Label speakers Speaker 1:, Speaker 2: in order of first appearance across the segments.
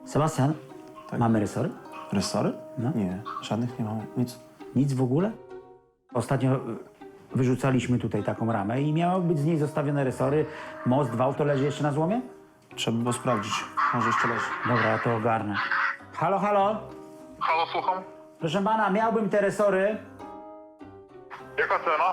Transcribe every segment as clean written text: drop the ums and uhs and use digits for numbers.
Speaker 1: Sebastian,
Speaker 2: Tak.
Speaker 1: mamy resory?
Speaker 2: Resory?
Speaker 1: No.
Speaker 2: Nie, żadnych nie mamy, nic.
Speaker 1: Nic w ogóle? Ostatnio wyrzucaliśmy tutaj taką ramę i miały być z niej zostawione resory. Most, wał, to leży jeszcze na złomie?
Speaker 2: Trzeba było sprawdzić, może jeszcze leży.
Speaker 1: Dobra, ja to ogarnę. Halo, halo?
Speaker 3: Halo, słucham?
Speaker 1: Proszę pana, miałbym te resory.
Speaker 3: Jaka cena?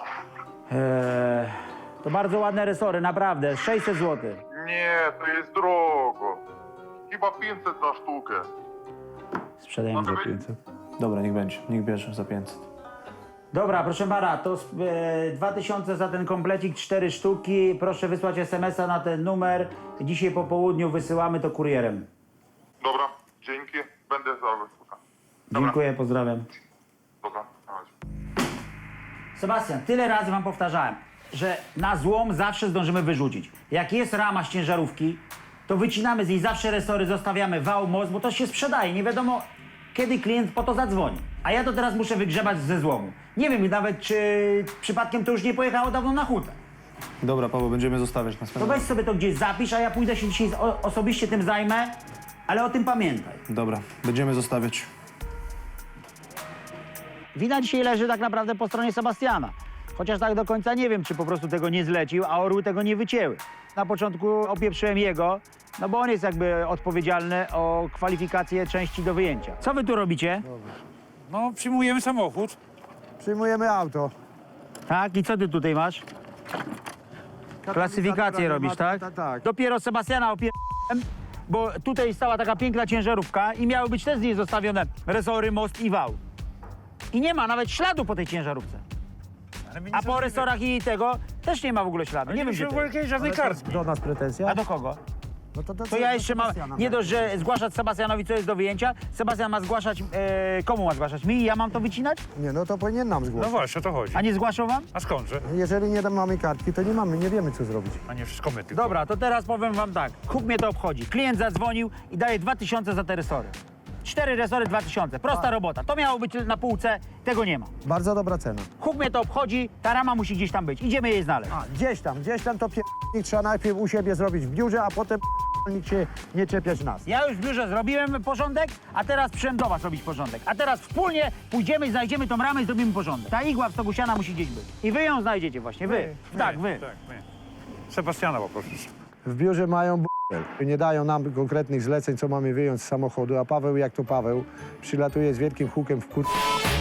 Speaker 1: To bardzo ładne resory, naprawdę. 600 zł.
Speaker 3: Nie, to jest drogo. Chyba 500 za sztukę.
Speaker 1: Sprzedajemy za 500.
Speaker 2: Dobra, niech bierze za 500.
Speaker 1: Dobra, proszę pana, to 2000 za ten komplecik, 4 sztuki. Proszę wysłać SMS-a na ten numer. Dzisiaj po południu wysyłamy to kurierem.
Speaker 3: Dobra, dzięki. Będę za słucham.
Speaker 1: Dziękuję, pozdrawiam.
Speaker 3: Dobra, na razie.
Speaker 1: Sebastian, tyle razy wam powtarzałem, że na złom zawsze zdążymy wyrzucić. Jak jest rama z ciężarówki, to wycinamy z niej zawsze resory, zostawiamy wał, most, bo to się sprzedaje. Nie wiadomo, kiedy klient po to zadzwoni. A ja to teraz muszę wygrzebać ze złomu. Nie wiem nawet, czy przypadkiem to już nie pojechało dawno na hutę.
Speaker 2: Dobra, Paweł, będziemy zostawiać na
Speaker 1: To
Speaker 2: stronę.
Speaker 1: weź sobie to gdzieś zapisz, a ja pójdę się dzisiaj osobiście tym zajmę, ale o tym pamiętaj.
Speaker 2: Dobra, będziemy zostawiać.
Speaker 1: Wina dzisiaj leży tak naprawdę po stronie Sebastiana. Chociaż tak do końca nie wiem, czy po prostu tego nie zlecił, a orły tego nie wycięły. Na początku opieprzyłem jego, no bo on jest jakby odpowiedzialny o kwalifikację części do wyjęcia. Co wy tu robicie?
Speaker 4: No, przyjmujemy samochód.
Speaker 5: Przyjmujemy auto.
Speaker 1: Tak, i co ty tutaj masz? Klasyfikację robisz, tak?
Speaker 5: Tak.
Speaker 1: Dopiero Sebastiana opierałem, bo tutaj stała taka piękna ciężarówka i miały być też z niej zostawione resory, most i wał. I nie ma nawet śladu po tej ciężarówce.
Speaker 4: Ale my
Speaker 1: A po resorach i tego też nie ma w ogóle śladu. Nie wiem, gdzie
Speaker 4: w
Speaker 1: to jest.
Speaker 4: ogóle żadnej kartki.
Speaker 5: Do nas pretensja?
Speaker 1: A do kogo?
Speaker 5: No
Speaker 1: To ja jeszcze mam, nie dość, że zgłaszać Sebastianowi, co jest do wyjęcia, Sebastian ma zgłaszać, komu ma zgłaszać? Mi? Ja mam to wycinać?
Speaker 5: Nie, no to powinien nam
Speaker 4: No
Speaker 5: zgłosić.
Speaker 4: właśnie, o to chodzi.
Speaker 1: A nie zgłaszał wam?
Speaker 4: A skądże?
Speaker 5: Jeżeli nie mamy kartki, to nie wiemy co zrobić.
Speaker 4: A nie wszystko my tylko.
Speaker 1: Dobra, to teraz powiem wam tak. Huk mnie to obchodzi. Klient zadzwonił i daje 2000 za te resory. 4 resory 2000. Prosta robota. To miało być na półce, tego nie ma.
Speaker 5: Bardzo dobra cena.
Speaker 1: Huk mnie to obchodzi, ta rama musi gdzieś tam być. Idziemy jej znaleźć.
Speaker 5: A, gdzieś tam to trzeba najpierw u siebie zrobić w biurze, a potem nikt się nie czepiać nas.
Speaker 1: Ja już w biurze zrobiłem porządek, a teraz przyszedłem do was robić porządek. A teraz wspólnie pójdziemy, znajdziemy tą ramę i zrobimy porządek. Ta igła w stogu siana musi gdzieś być. I wy ją znajdziecie właśnie, wy. Tak, wy.
Speaker 4: Tak, my. Sebastiana poproszę.
Speaker 5: W biurze mają nie dają nam konkretnych zleceń, co mamy wyjąć z samochodu, a Paweł, jak to Paweł, przylatuje z wielkim hukiem w